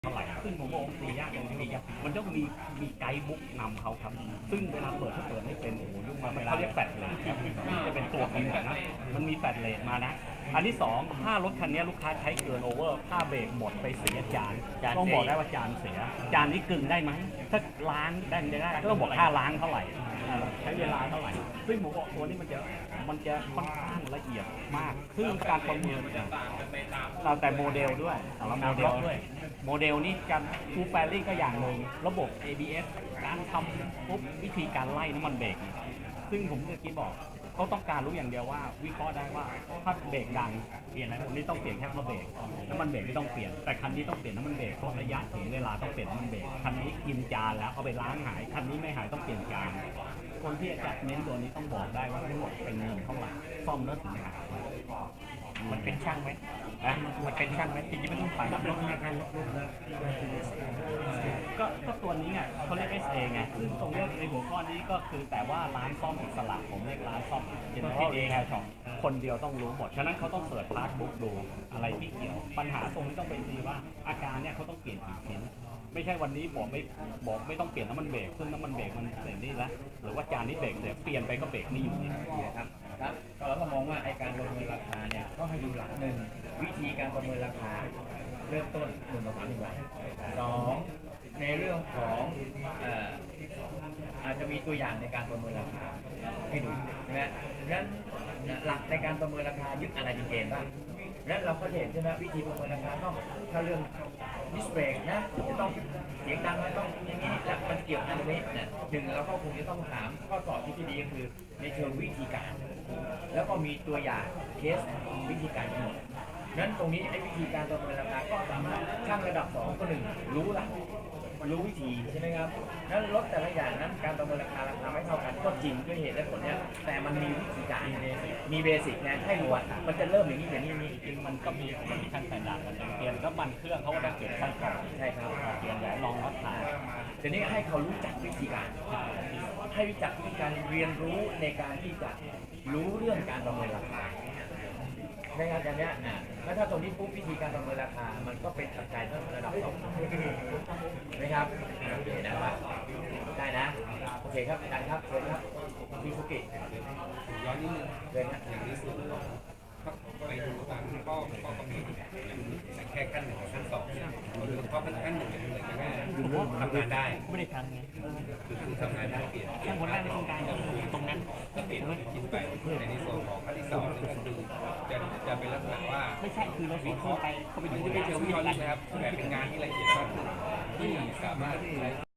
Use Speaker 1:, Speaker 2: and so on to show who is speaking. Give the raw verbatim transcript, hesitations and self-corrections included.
Speaker 1: เท่าไหร่ซึ่งผมบอกตียากตรงนี้มันต้องมีมีไกด์บุ๊กนำเขาครับซึ่งเวลาเปิดถ้าเปิดไม่เป็นโอ้โหยุ่งมากเขาเรียกแฟลชเลทครับจะเป็นตัวกำหนดนะมันมีแฟลชเลทมานะอันที่สองถ้ารถคันนี้ลูกค้าใช้เกินโอเวอร์ถ้าเบรกหมดไปเสียจานต้องบอกได้ว่าจานเสียจานนี้กึ่งได้ไหมถ้าล้างได้ไม่ได้ก็ต้องบอกค่าล้างเท่าไหร่ใช้เวลาเท่าไหร่ซึ่งผมบอกตัวนี้มันจะมันจะค่อนข้างละเอียดมากซึ่งการประเมินเราแต่โมเดลด้วยแต่ละโมเดลด้วยโมเดลนี้การฟูลแฟลิ่งก็อย่างหนึ่งระบบ เอ บี เอส การทำปุ๊บวิธีการไล่น้ำมันเบรกซึ่งผมเมื่อกี้บอกเขาต้องการรู้อย่างเดียวว่าวิเคราะห์ได้ว่าถ้าเบรกดังเปลี่ยนอะไรผมนี่ต้องเปลี่ยนแค่มาเบรกน้ำมันเบรกไม่ต้องเปลี่ยนแต่คันนี้ต้องเปลี่ยนน้ำมันเบรกเพราะระยะถึงเวลาต้องเปลี่ยนน้ำมันเบรกคันนี้กินจานแล้วเอาไปล้างหายคันนี้ไม่หายต้องเปลี่ยนจานคนที่จะเน้นตัวนี้ต้องบอกได้ว่าทั้งหมดเป็นเงินเท่าไหร่ซ่อมแล้วถึงหายมันเป็นช่างไหมอ่ะมันเป็นช่างไหมจริงๆไม่ต้องไปรับรถในการลดรุ่นแล้วก็ก็ตัวนี้ไงเขาเรียก เอส เอ ไงซึ่งตรงนี้ในหัวข้อนี้ก็คือแต่ว่าร้านซ่อมอิสระผมเรียกร้านซ่อมเจนเนอเรลเองช็อปคนเดียวต้องรู้หมดฉะนั้นเขาต้องเปิดพาร์ทบุ๊กดูอะไรที่เกี่ยวปัญหาตรงนี้ต้องเป็นดีว่าอาการเนี่ยเขาต้องเปลี่ยนกี่ชิ้นไม่ใช่วันนี้บอกไม่บอกไม่ต้องเปลี่ยนน้ำมันเบรกซึ่งน้ำมันเบรกมันเสร็จนี่แล้วหรือว่าจานนี้เบรกเดี๋ยวเปลี่ยนไปก็เบรกนี่อยู่นี่
Speaker 2: ครับครับเราก็มองว่าไอการประเมินราคาเนี่ยก็ให้ดูหลักหนึ่งวิธีการประเมินราคาเริ่มต้นหนึ่งต่อสามหนึ่งบาทสองในเรื่องของเอ่ออาจจะมีตัวอย่างในการประเมินราคาให้ดูใช่ไหมดังนั้นหลักในการประเมินราคายึดอะไรเป็นเกณฑ์บ้างดังนั้นเราก็เห็นใช่ไหมวิธีประเมินราคาต้องถ้าเรื่องดิสเบรกนะจะต้องเสียงดังไม่ต้องอย่างนี้และมันเกี่ยวกันตรงนี้เนี่ยหนึ่งเราก็คงจะต้องถามข้อสอบที่ดีก็คือในเชิงวิธีการ แล้วก็มีตัวอย่างเคสวิธีการทั้งหมดนั้นตรงนี้ไอ้วิธีการประเมินราคาก็สามารถช่างระดับสองก็หนึ่งรู้ละรู้วิธีใช่ไหมครับนั้นรถแต่ละอย่างนั้นการประเมินราคาราคาไม่เท่ากันก็จริงด้วยเหตุและผลเนี้ยแต่มันมีวิธีการมีเบสิกนะให้รู้ว่ามันจะเริ่มอย่างนี้อย่างนี้นี้
Speaker 1: จริงมันก็มีมันมีขั้นแต่ด่านกันเปลี่ยนก็มันเครื่องเขาก็ต้องเปลี่ยนขั้นก่อน
Speaker 2: ใช่ครับ
Speaker 1: เปลี่ยนแหวนรองรถถ่าย
Speaker 2: ทีนี้ให้เขารู้จักวิธีการให้รู้จักวิธีการเรียนรู้ในการที่จะรู้เรื่องการประเมินราคานะครับอย่างนี้อ่ะแล้วถ้าตรงนี้ปุ๊บวิธีการประเมินราคามันก็เป็นปัจจัยระดับสองนะครับโอเคนะครับได้นะโอเคครับอาจารย์ครับเชิญครับพี่สุกิ
Speaker 3: ย้อนนิดนึง
Speaker 2: เลยนะ
Speaker 3: อย่างนี้สุดไปดูตามข้อข้อกำหนดอย่างแค่ขั้นหนึ่งกับขั้นสองหรือข้อขั้นหนึ่งอย่างไรก็ได้ทำงานได้
Speaker 1: ไม่ได้ทำไง
Speaker 3: คือคือทำงานได้เปลี่ยน
Speaker 1: แค่คนแรกในโครงการตรงนั้น
Speaker 3: ก็เปลี่ยนกินไปในในส่วนของขั้นที่สองก็คือจะจะเป็นลักษณะว่า
Speaker 1: ไม่ใช่คือเราวิเคราะห์ไปเขาไปดู
Speaker 3: ไม่เชิงวิเคราะห์นะครับแต่เป็นงานที่ละเอียดมากขึ้นที่สามารถใช้